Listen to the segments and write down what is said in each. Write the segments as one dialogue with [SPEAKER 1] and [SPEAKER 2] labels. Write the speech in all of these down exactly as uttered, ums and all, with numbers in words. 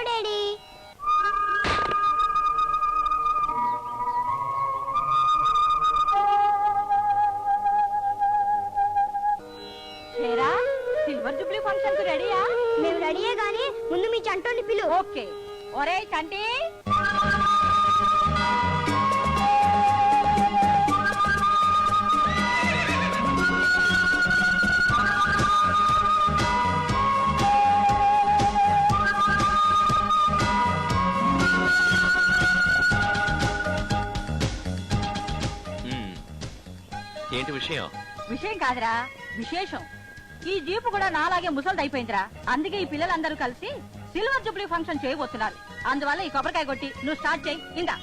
[SPEAKER 1] Daddy.
[SPEAKER 2] Silver Jubilee function కు రెడీయా?
[SPEAKER 1] మేము రెడీయే గానీ ముందు మీ చంటోని పిలు.
[SPEAKER 2] ఓకే. ఒరే చంటి,
[SPEAKER 3] ఏంటి విషయం?
[SPEAKER 2] విషయం కాదురా, విశేషం. ఈ జీపు కూడా నాలాగే ముసలిది అయిపోయిందిరా. అందుకే ఈ పిల్లలందరూ కలిసి సిల్వర్ జూబ్లీ ఫంక్షన్ చేయబోతున్నారు. అందువల్ల ఈ కొబ్బరికాయ కొట్టి నువ్వు స్టార్ట్ చేయి. ఇందా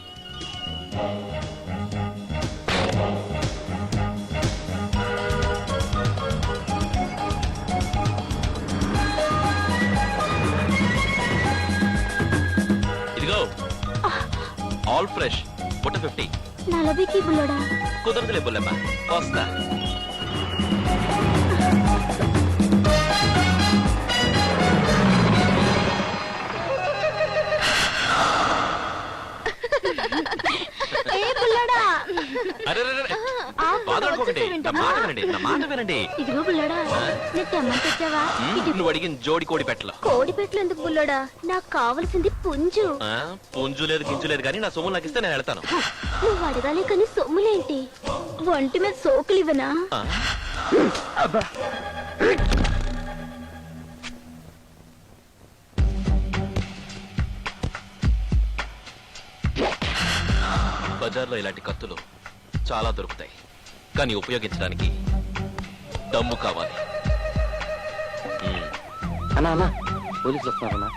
[SPEAKER 3] ఇదిగో ఆల్ ఫ్రెష్ పుట్ట ఫిఫ్టీ.
[SPEAKER 1] నలభైకి బుల్లడా?
[SPEAKER 3] కుదరదులే బుల్లమ్మ, వస్తా.
[SPEAKER 1] ఇదిగో బుల్లడా, నేను తెమ్మంటే తెచ్చావా?
[SPEAKER 3] నువ్వు అడిగిన జోడి కోడి పెట్టలు.
[SPEAKER 1] కోడి పెట్టలు ఎందుకు బుల్లడా? నాకు కావలసింది పుంజు.
[SPEAKER 3] పుంజు లేదు గింజు లేదు కానీ నా సొమ్ము నాకు ఇస్తే నేను వెళ్తాను.
[SPEAKER 1] నువ్వు అడగాలి కానీ సొమ్ములేంటి? ఒంటి మీద సోకులు ఇవ్వనా?
[SPEAKER 3] బజార్లో ఇలాంటి కత్తులు చాలా దొరుకుతాయి, కానీ ఉపయోగించడానికి దమ్ము కావాలి.
[SPEAKER 4] అన్నా అన్నా పోలీసులు వస్తున్నారన్నా.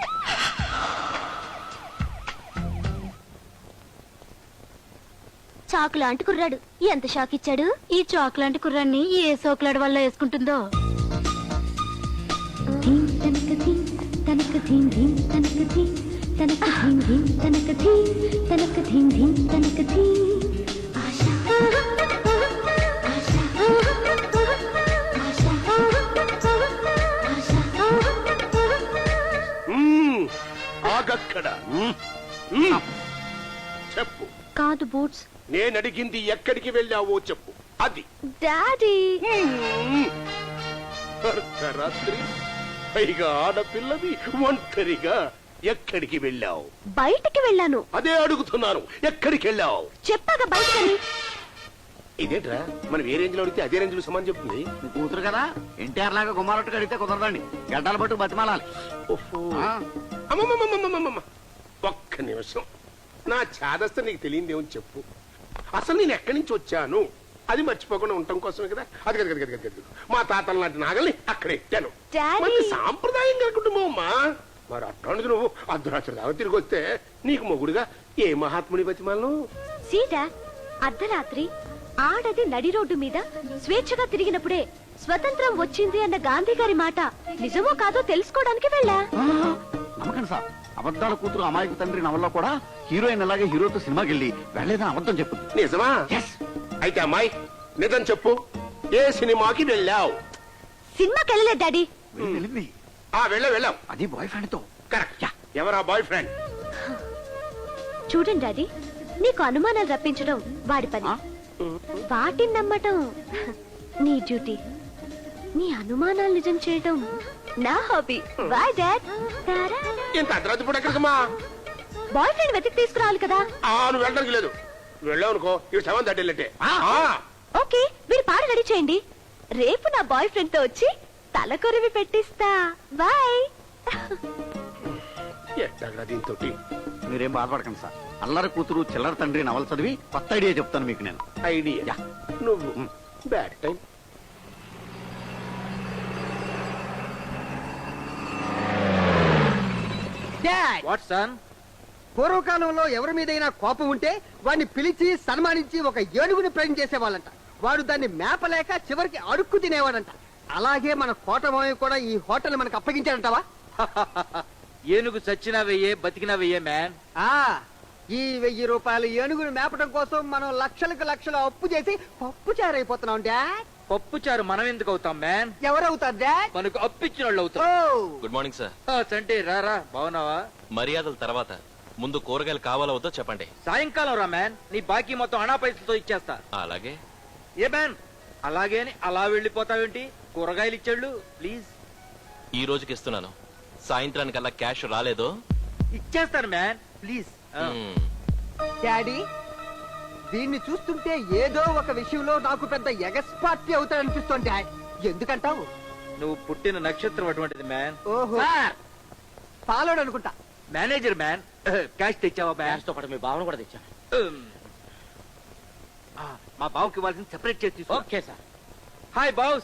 [SPEAKER 1] చాకు లాంటి కుర్రాడు ఎంత షాక్ ఇచ్చాడు. ఈ చాకు లాంటి కుర్రాన్ని ఏ సోకులాడు వల్ల వేసుకుంటుందో.
[SPEAKER 5] చెప్పు.
[SPEAKER 1] కాదు బూట్స్.
[SPEAKER 5] నేను అడిగింది ఎక్కడికి వెళ్ళావో చెప్పు. అది
[SPEAKER 1] డాడీ.
[SPEAKER 5] అర్ధరాత్రి పైగా ఆడపిల్లవి ఒంటరిగా ఎక్కడికి వెళ్ళావు?
[SPEAKER 1] బయటికి వెళ్ళాను.
[SPEAKER 5] అదే అడుగుతున్నాను, ఎక్కడికి వెళ్ళావు?
[SPEAKER 1] చెప్పాక బయటకని.
[SPEAKER 5] ఇదేంట్రా, మనం ఏ రేంజ్ లో అడిగితే అదే రేంజ్ లో సమాన్ చెప్తుంది.
[SPEAKER 4] మీ కూతురు కదా, ఎన్టీఆర్ లాగా గుమ్మారట్టుగా అడిగితే కుదరదండి. గడ్డాల పట్టు బతిమాలాలి.
[SPEAKER 5] అమ్మమ్మమ్మమ్మమ్మమ్మ, ఒక్క నిమిషం. నా చాదస్త నీకు తెలియదేమని చెప్పు. అసలు నేను ఎక్కడి నుంచి వచ్చాను అది మర్చిపోకుండా ఉండటం కోసమే కదా. అది కదా కదా కదా మా తాతల లాంటి నాగల్ని అక్కడ ఎట్టాను. మంచి సాంప్రదాయంగా కుటుంబం అమ్మా. మరి అట్లాంటిది నువ్వు అర్ధరాత్రి దాకా తిరిగి వస్తే నీకు మొగుడుగా ఏ మహాత్ముని బతిమాలను?
[SPEAKER 1] సీతా, అర్ధరాత్రి ఆడది నడి రోడ్డు మీద స్వేచ్ఛగా తిరిగినప్పుడే స్వతంత్రం వచ్చింది అన్న గాంధీ గారి మాట నిజమో కాదో తెలుసుకోవడానికి వెళ్ళా.
[SPEAKER 4] నమ్మకండి సార్, అబద్ధాల కూతురు అమాయక తండ్రి నవల్లో కూడా హీరోయిన్ అలాగే హీరోతో సినిమాకి వెళ్ళి వెళ్ళలేదని అబద్ధం చెప్పు.
[SPEAKER 5] నిజమా? అయితే అమ్మాయి నిజం చెప్పు, ఏ సినిమాకి వెళ్ళావు?
[SPEAKER 1] సినిమాకి వెళ్ళలేదు డాడీ.
[SPEAKER 4] వెళ్ళింది.
[SPEAKER 5] ఆ వెళ్ళ వెళ్ళావు.
[SPEAKER 4] అది బాయ్ ఫ్రెండ్ తో.
[SPEAKER 5] కరెక్ట్. ఎవరా బాయ్ ఫ్రెండ్?
[SPEAKER 1] చూడండి డాడీ, నీకు అనుమానాలు రప్పించడం వాడి పని, వాటిని నమ్మటం నీ డ్యూటీ. నీ అనుమానాలు నిజం చేయడం నా హాబీ. Bye dad.
[SPEAKER 5] ఇంత అర్ధరాత్రి పూట ఎక్కడికమ్మా?
[SPEAKER 1] బాయ్ ఫ్రెండ్ వెతికి తీసుకురావాలి కదా.
[SPEAKER 5] ఆ నువ్వు వెళ్ళడానికి లేదు. వెళ్ళావు అనుకో ఇవి సెవెన్ థర్టీ.
[SPEAKER 1] ఓకే, మీరు పాట రెడీ చేయండి. రేపు నా బాయ్ ఫ్రెండ్ తో వచ్చి తల కొరివి పెట్టిస్తా. బాయ్.
[SPEAKER 5] ఎట్టగా దీంతో
[SPEAKER 4] మీరేం బాధపడకండి సార్. అల్లరి కూతురు చిల్లర తండ్రి నవల చదివి కొత్త ఐడియా చెప్తాను మీకు నేను.
[SPEAKER 5] ఐడియా? నువ్వు బ్యాడ్ టైం.
[SPEAKER 6] What sun? పూర్వకాలంలో ఎవరి మీదైనా కోపం ఉంటే వాడిని పిలిచి సన్మానించి ఒక ఏనుగుని ప్రేమ చేసేవాళ్ళంట. వాడు దాన్ని మేపలేక చివరికి అడుక్కు తినేవాడంట. అలాగే మన కోటమావి కూడా ఈ హోటల్ మనకు అప్పగించాడంటావా?
[SPEAKER 7] ఏనుగు చచ్చినా వెయ్యే, బతికినా వెయ్యే మ్యాన్.
[SPEAKER 6] ఆ ఈ వెయ్యి రూపాయలు ఏనుగుని మేపడం కోసం మనం లక్షలకు లక్షలు అప్పు చేసి పప్పు చారైపోతున్నాం డాడ్.
[SPEAKER 7] పప్పు చారు మనం ఎందుకు అవుతాం మ్యాన్?
[SPEAKER 6] ఎవరవుతారు డాడ్?
[SPEAKER 7] మనకు అప్పిచ్చిన వాళ్ళు అవుతాం.
[SPEAKER 6] Oh
[SPEAKER 3] good morning sir.
[SPEAKER 7] ఆ, చంటి రారా, బాగున్నావా?
[SPEAKER 3] మర్యాదల తర్వాత ముందు కూరగాయలు కావాలో వద్దో చెప్పండి.
[SPEAKER 7] సాయంకాలం రా మ్యాన్, నీ బాకీ మొత్తం అనా పైసలతో ఇచ్చేస్తా.
[SPEAKER 3] అలాగే.
[SPEAKER 7] ఏ మ్యాన్, అలాగే అని అలా వెళ్ళిపోతావేంటి? కూరగాయలు ఇచ్చాళ్ళు ప్లీజ్.
[SPEAKER 3] ఈ రోజుకి ఇస్తున్నాను. సాయంత్రానికల్లా క్యాష్ రాలేదో
[SPEAKER 7] ఇచ్చేస్తాను మ్యాన్ ప్లీజ్. ఆ.
[SPEAKER 3] మ్మ్.
[SPEAKER 6] డాడీ, దీన్ని చూస్తుంటే ఏదో ఒక విషయంలో నాకు పెద్ద ఎగస్పార్టీ అవుతాడనిపిస్తోంది డాడ్. ఎందుకంటావు?
[SPEAKER 7] నువ్వు పుట్టిన నక్షత్రం అటువంటిది మ్యాన్.
[SPEAKER 6] ఓహో, పాలోడు అనుకుంటా.
[SPEAKER 7] మేనేజర్ మ్యాన్, క్యాష్ తెచ్చావా మ్యాన్?
[SPEAKER 8] తో పాటు మీ భావన కూడా తెచ్చాను.
[SPEAKER 7] ఉమ్. ఆ, మా బావుకి ఇవ్వాల్సింది సెపరేట్ చేసి తీసుకో.
[SPEAKER 8] Okay sir.
[SPEAKER 7] Hi boss.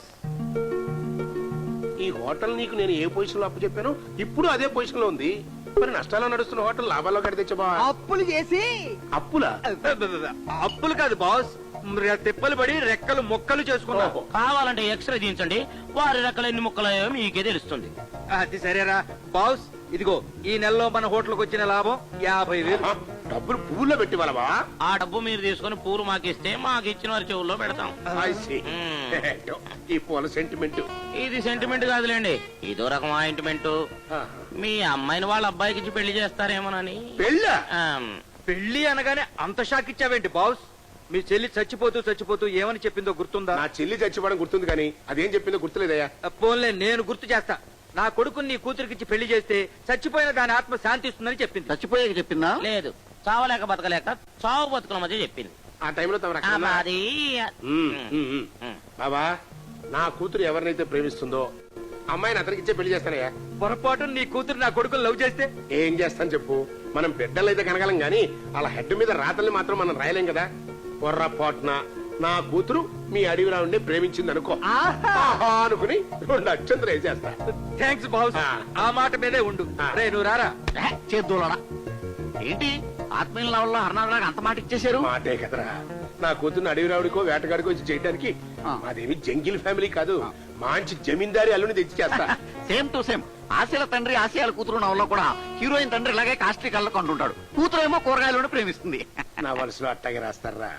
[SPEAKER 5] ఈ హోటల్ నీకు నేను ఏ పొజిషన్ లో అప్పు చెప్పాను ఇప్పుడు అదే పొజిషన్ లో ఉంది. మరి నష్టాల్లో నడుస్తున్న హోటల్ లాభాల్లో కడితే తెచ్చబా
[SPEAKER 6] అప్పులు చేసి
[SPEAKER 5] అప్పులా?
[SPEAKER 7] అప్పులు కాదు బాస్, ర- తిప్పలు పడి రెక్కలు మొక్కలు చేసుకున్నా.
[SPEAKER 5] ఓహో.
[SPEAKER 8] కావాలంటే ఎక్స్రే తీయించండి, వారి రకాల ఎన్ని ముక్కలయ్యో మీకే తెలుస్తుంది.
[SPEAKER 7] అది సరేరా బాస్, ఇదిగో ఈ నెలలో మన హోటల్కి వచ్చిన లాభం యాభై వేలు.
[SPEAKER 5] ఆ, డబ్బులు పువ్వుల్లో పెట్టి వాళ్ళవా?
[SPEAKER 8] ఆ డబ్బు మీరు తీసుకుని పూలు మాకిస్తే మాకు ఇచ్చిన వారి చెవుల్లో పెడతాం.
[SPEAKER 5] I see. ఈ పూల సెంటిమెంట్.
[SPEAKER 8] ఇది సెంటిమెంట్ కాదులేండి, ఇదో రకం ఆయింట్మెంట్. మీ అమ్మాయిని వాళ్ళ అబ్బాయికి ఇచ్చి పెళ్లి చేస్తారేమోనని.
[SPEAKER 5] పెళ్ళా?
[SPEAKER 8] ఆమ్,
[SPEAKER 7] పెళ్లి అనగానే అంత షాక్ ఇచ్చావేంటి బాస్? మీ చెల్లి చచ్చిపోతూ చచ్చిపోతూ ఏమని చెప్పిందో గుర్తుందా?
[SPEAKER 5] నా చెల్లి చచ్చిపోవడం గుర్తుంది కానీ అదేం చెప్పిందో గుర్తులేదయ్యా.
[SPEAKER 7] పోన్లే, నేను గుర్తు చేస్తా. నా కొడుకుని నీ కూతురికిచ్చి పెళ్లి చేస్తే చచ్చిపోయిన దాని ఆత్మ శాంతిస్తుందని చెప్పింది.
[SPEAKER 4] చచ్చిపోయాక చెప్పిందా?
[SPEAKER 8] లేదు, చావలేక బతకలేక చావు బతుకుల మధ్య చెప్పింది.
[SPEAKER 5] ఆ టైంలో తమ
[SPEAKER 8] ఆ,
[SPEAKER 5] రక్షణ ఉందా?
[SPEAKER 8] మాది
[SPEAKER 5] ఉమ్, ఉమ్, ఉమ్.
[SPEAKER 8] ఉమ్.
[SPEAKER 5] బాబా, నా కూతురు ఎవరినైతే ప్రేమిస్తుందో అమ్మాయిని అతనికి ఇచ్చే పెళ్లి చేస్తానయ్యా.
[SPEAKER 7] పొరపాటు నీ కూతురు నా కొడుకుని లవ్ చేస్తే
[SPEAKER 5] ఏం చేస్తాను చెప్పు? మనం బిడ్డలు అయితే కనగలం గాని అలా హెడ్ మీద రాతల్ని మాత్రం మనం రాయలేం కదా. పొర్రపాటున నా కూతురు మీ అడవిలో ఉండి ప్రేమించింది అనుకో, ఆహా అనుకుని రెండు అక్షంతలు వేసేస్తా.
[SPEAKER 7] థ్యాంక్స్ బాస్,
[SPEAKER 5] ఆ.
[SPEAKER 7] ఆ మాట మీదే ఉండు.
[SPEAKER 5] ఆ.
[SPEAKER 7] రే నువ్వు రారా.
[SPEAKER 4] చేద్దోలడా ఏంటి ఆత్మీయుల నవల్లో హర్నాథ్ అంత మాట ఇచ్చేశారు?
[SPEAKER 5] మాటే కదరా, నా కూతురు అడవి రావుడికో వేటగాడికో వచ్చి చేయడానికి.
[SPEAKER 4] ఆ.
[SPEAKER 5] మాదేమి జంగిల్ ఫ్యామిలీ కాదు, మంచి జమీందారి అల్లుని తెచ్చి చేస్తా.
[SPEAKER 4] Same to same. ఆశల తండ్రి ఆశయాల కూతురు నవల్లో కూడా హీరోయిన్ తండ్రి ఇలాగే కాస్ట్రీ కళ్ళకు అంటుంటాడు. కూతురు ఏమో కూరగాయలను ప్రేమిస్తుంది.
[SPEAKER 5] నా వలసలో అట్టాగే రాస్తారా?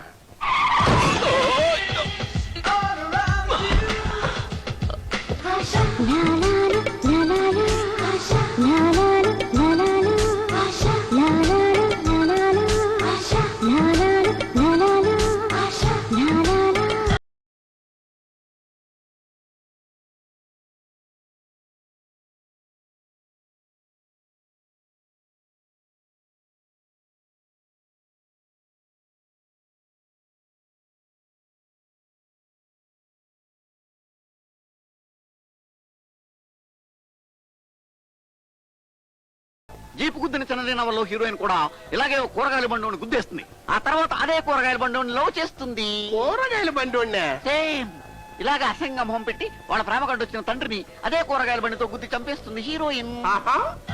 [SPEAKER 4] జీపు గుద్దిన చిన్నది నవల్లో హీరోయిన్ కూడా ఇలాగే ఓ కూరగాయల బండి గుద్దేస్తుంది. ఆ తర్వాత అదే కూరగాయల బండి లవ్ చేస్తుంది.
[SPEAKER 5] కూరగాయల బండి వండా?
[SPEAKER 4] సేమ్ ఇలాగ అసంగ మొహం పెట్టి వాళ్ళ ప్రేమ కంటే వచ్చిన తండ్రిని అదే కూరగాయల బండితో గుద్ది చంపేస్తుంది హీరోయిన్.
[SPEAKER 5] ఆహా,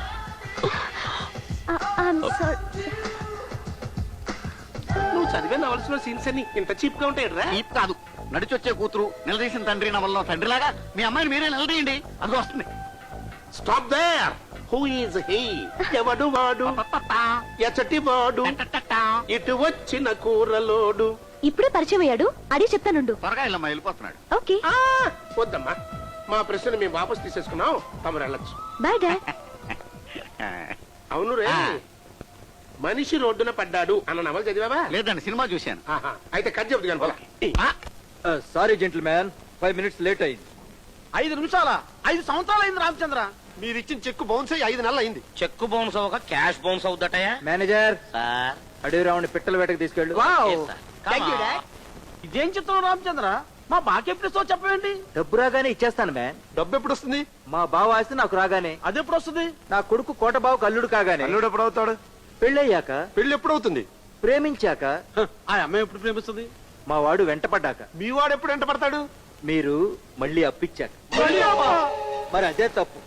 [SPEAKER 5] నువ్వు చదివే నవలసిన సీన్స్ అన్ని ఇంత చీప్ గా ఉంటాయి రా.
[SPEAKER 4] చీప్ కాదు, నడిచొచ్చే కూతురు నిలదీసిన తండ్రి నవల్లో తండ్రిలాగా మీ అమ్మాయిని మీరే నిలదీయండి, అది వస్తుంది.
[SPEAKER 5] Stop there. Who is he? ఎవడు వాడు? ఎచటి వాడు? ఇటు వచ్చిన కూరలోడు.
[SPEAKER 1] ఇప్పుడే పరిచయం అయ్యాడు, అడిగి చెప్తానుండు.
[SPEAKER 4] త్వరగా ఇలా వెళ్ళిపోతున్నాడు.
[SPEAKER 1] ఓకే,
[SPEAKER 5] ఆ, వద్దమ్మా, మా ప్రశ్న మేము వాపస్ తీసేసుకున్నాం, తమరు వెళ్ళొచ్చు.
[SPEAKER 1] Bye dad.
[SPEAKER 5] అవును రే,
[SPEAKER 4] ఆ.
[SPEAKER 5] మనిషి రోడ్డున పడ్డాడు అన్న నవల చదివావా?
[SPEAKER 4] లేదండి, సినిమా చూశాను.
[SPEAKER 5] ఆహా, అయితే కథ చెబుతు కానీ పోలా.
[SPEAKER 7] Sorry gentleman, five minutes late అయింది.
[SPEAKER 6] ఐదు నిమిషాల ఐదు సంవత్సరాలు అయింది రామచంద్ర. మీరు ఇచ్చిన చెక్కు బౌన్స్ అయ్యి ఐదు నెలలు అయింది.
[SPEAKER 8] చెక్కు బౌన్స్ అవ్వక క్యాష్ బౌన్స్ అవుద్దటయా?
[SPEAKER 7] మేనేజర్,
[SPEAKER 8] సార్,
[SPEAKER 7] అడవి రావుని పిట్టల వేటకు తీసుకెళ్ళు.
[SPEAKER 8] Yes, sir. Come
[SPEAKER 6] Thank you,
[SPEAKER 8] on.
[SPEAKER 6] Dad. ఇదేం చిత్రం రామచంద్ర, మా బాకీ ఎప్పుడు ఇస్తావు చెప్పండి.
[SPEAKER 7] డబ్బు రాగానే ఇచ్చేస్తాను మ్యాన్.
[SPEAKER 6] డబ్బు ఎప్పుడు వస్తుంది?
[SPEAKER 7] మా బావ ఆస్తి నాకు రాగానే.
[SPEAKER 6] అది ఎప్పుడు వస్తుంది?
[SPEAKER 7] నా కొడుకు కోట బావకు అల్లుడు కాగానే.
[SPEAKER 6] అల్లుడు ఎప్పుడు అవుతాడు?
[SPEAKER 7] పెళ్ళయ్యాక.
[SPEAKER 6] పెళ్లి ఎప్పుడు అవుతుంది?
[SPEAKER 7] ప్రేమించాక.
[SPEAKER 6] హ, ఆ అమ్మాయి ఎప్పుడు ప్రేమిస్తుంది?
[SPEAKER 7] మా వాడు వెంటపడ్డాక.
[SPEAKER 6] మీ వాడు ఎప్పుడు ఎంట పడతాడు?
[SPEAKER 7] మీరు మళ్ళీ అప్పిచ్చాక.
[SPEAKER 6] మళ్ళీ అమ్మా?
[SPEAKER 7] మరి అదే తప్పు.